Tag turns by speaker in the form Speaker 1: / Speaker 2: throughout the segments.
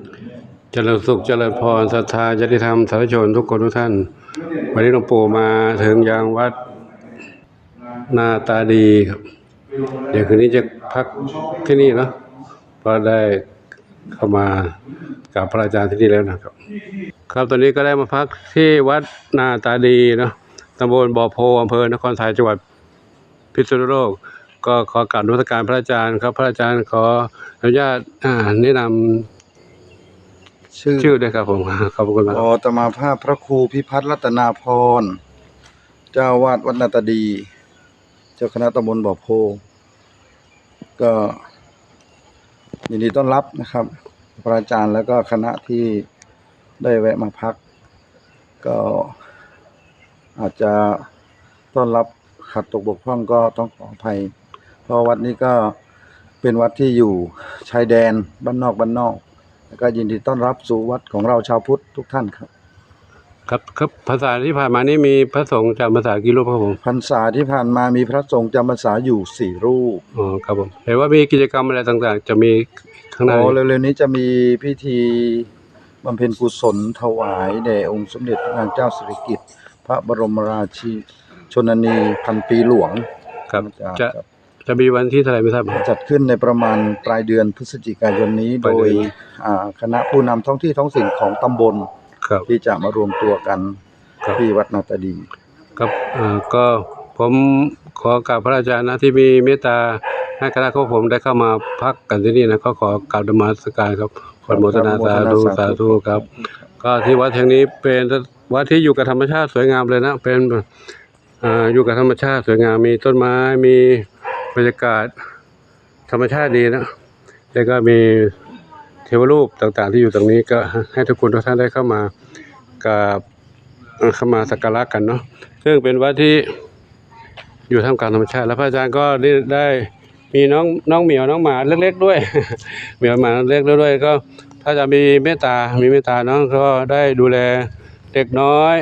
Speaker 1: เจริญสุขเจริญพรศรัทธาญาติธรรมสาธุชนทุกคนทุกท่านวันนี้หลวงปู่มาถึงยังวัดนาตาดีครับเดี๋ยวคืนนี้จะพักที่นี่เนาะเพราะได้เข้ามากับพระอาจารย์ที่นี่แล้วนะครับครับตอนนี้ก็ได้มาพักที่วัดนาตาดีเนาะตำบลบ่อโพอำเภอนครไทยจังหวัดพิษณุโลกก็ขอกราบนมัสการพระอาจารย์ครับพระอาจารย์ขออนุญาตแนะนำชื่อด้วยครับผมขอบคุณมาก
Speaker 2: อาตมาภาพพระครูพิพัฒน์รัตนาพรเจ้าวาดวัดนาตาดีเจ้าคณะตำบลบ่อโพก็ยินดีต้อนรับนะครับพระอาจารย์แล้วก็คณะที่ได้แวะมาพักก็อาจจะต้อนรับขัดตกบกพร่องก็ต้องขออภัยเพราะวัดนี้ก็เป็นวัดที่อยู่ชายแดนบ้านนอกแล้วก็ยินดีต้อนรับสู่วัดของเราชาวพุทธทุกท่านครับ
Speaker 1: ครับพรรษาที่ผ่านมานี่มีพระสงฆ์จำพรรษากี่รูปครับผม
Speaker 2: พรรษาที่ผ่านมามีพระสงฆ์จำพรรษาอยู่4รูป
Speaker 1: อ๋อครับผมเห็นว่ามีกิจกรรมอะไรต่างๆจะมีข้างใน
Speaker 2: เร็วๆนี้จะมีพิธีบำเพ็ญกุศลถวายแด่องค์สมเด็จพระนางเจ้าสิริกิติ์พระบรมราชิชนนีพันปีหลวง
Speaker 1: ครับจะมีวันที่เท่าไหร่ไม่ทราบ
Speaker 2: จัดขึ้นในประมาณปลายเดือนพฤศจิกายนนี้โดยคณะผู้นำท้องที่ท้องถิ่นของตำบลที่จะมารวมตัวกันที่วัดนาตาดี
Speaker 1: ครับก็ผมขอกราบพระอาจารย์นะที่มีเมตตาให้คณะของผมได้เข้ามาพักกันที่นี่นะก็ขอกราบนมัสการครับขอโมทนาสาธุครับก็ที่วัดแห่งนี้เป็นวัดที่อยู่กับธรรมชาติสวยงามเลยนะเป็นอยู่กับธรรมชาติสวยงามมีต้นไม้มีบรรยากาศธรรมชาติดีนะแล้วก็มีเทวรูปต่างๆที่อยู่ตรงนี้ก็ให้ทุกคนทุกท่านได้เข้ามาสักการะกันเนาะซึ่งเป็นวัดที่อยู่ท่ามกลางธรรมชาติแล้วพระอาจารย์ก็ได้มีน้องเหมียวน้องหมาเล็กๆด้วยเหมียวหมาเล็กด้วยก็ถ้าจะมีเมตตาน้องก็ได้ดูแลเด็กน้อย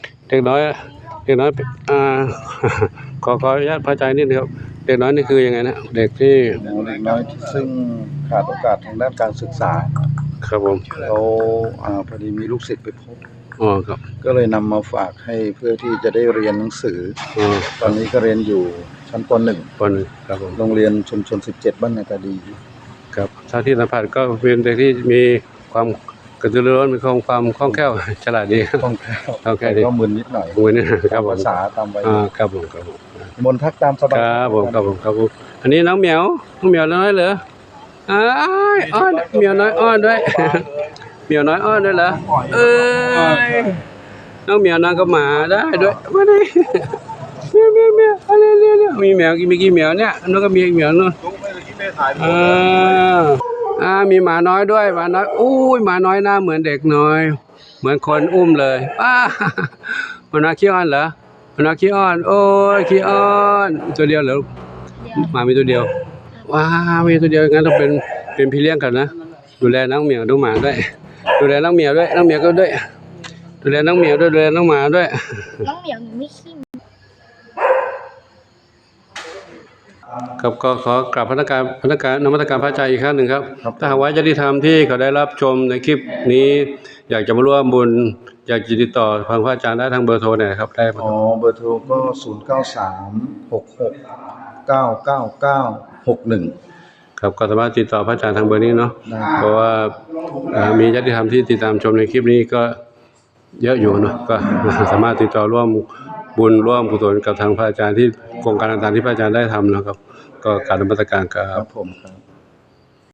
Speaker 1: ขออนุญาตพระอาจารย์นิดนึงครับเด็กน้อยนี่คือยังไงนะเด็ก
Speaker 2: น้อยซึ่งขาดโอกาสทางด้านการศึกษา
Speaker 1: ครับผม
Speaker 2: เขาพอดีมีลูกศิษย์ไปพบ
Speaker 1: ครับ
Speaker 2: ก็เลยนำมาฝากให้เพื่อที่จะได้เรียนหนังสือตอนนี้ก็เรียนอยู่ชั้นป .1 ครับผมโรงเรียนชุมชน17บ้านนาตาดี
Speaker 1: ครับชาวที่สัมผัสก็เป็นเด็กที่มีความกระตือรือร้นมีความคล่องแคล่วฉลาดดี
Speaker 2: คล่องแคล่วก็มึนนิดหน่อย
Speaker 1: ครับผม
Speaker 2: ภาษาตามวัย
Speaker 1: ครับผม
Speaker 2: มนทักตามสบาย
Speaker 1: ครับผมอันนี้น้องเหมียวน้อยเหรออ้อนเหมียวน้อยอ้อนด้วยเหมียวน้อยอ้อนด้วยเหรอน้องเหมียวน้องก็หมาได้ด้วยมาดิเมียวอะไรมีแมวมีกี่แมวเนี่ยน้องก็มีแมวนู่นมีหมาน้อยด้วยหมาน้อยหมาน้อยหน้าเหมือนเด็กน้อยเหมือนคนอุ้มเลยหมาน้อยขี้อ้อนเหรอหมาน้อยขี้อ้อนโอ้ยขี้อ้อนตัวเดียวเหรอหมามีตัวเดียวมีตัวเดียวงั้นต้องเป็นพี่เลี้ยงกันนะดูแลน้องเหมียวดูหมาด้วยดูแลน้องเหมียวด้วยน้องเหมียวก็ด้วยดูแลน้องเหมียวด้วยดูแลน้องหมาด้วย
Speaker 3: น้องเหมียวไม่ขี้
Speaker 1: ครับก็ขอกราบพนักงานนมัสการพระอาจารย์อีกครั้งหนึ่งครับถ้าหากว่าญาติธรรมที่เขาได้รับชมในคลิปนี้อยากจะมาร่วมบุญอยากจะติดต่อทางพระอาจารย์ได้ทางเบอร์โทรเนี่ยครับได้
Speaker 2: เบอร์โทรก็0936699961
Speaker 1: ครับก็สามารถติดต่อพระอาจารย์ทางเบอร์นี้เนาะเพราะว่ามีญาติธรรมที่ติดตามชมในคลิปนี้ก็เยอะอยู่เนาะก็สามารถติดต่อร่วมบุญร่วมกุศลกับทางพระอาจารย์ที่โครงการต่างๆที่พระอาจารย์ได้ทำนะครับก็กราบนมัสการครับ
Speaker 2: ผมครับ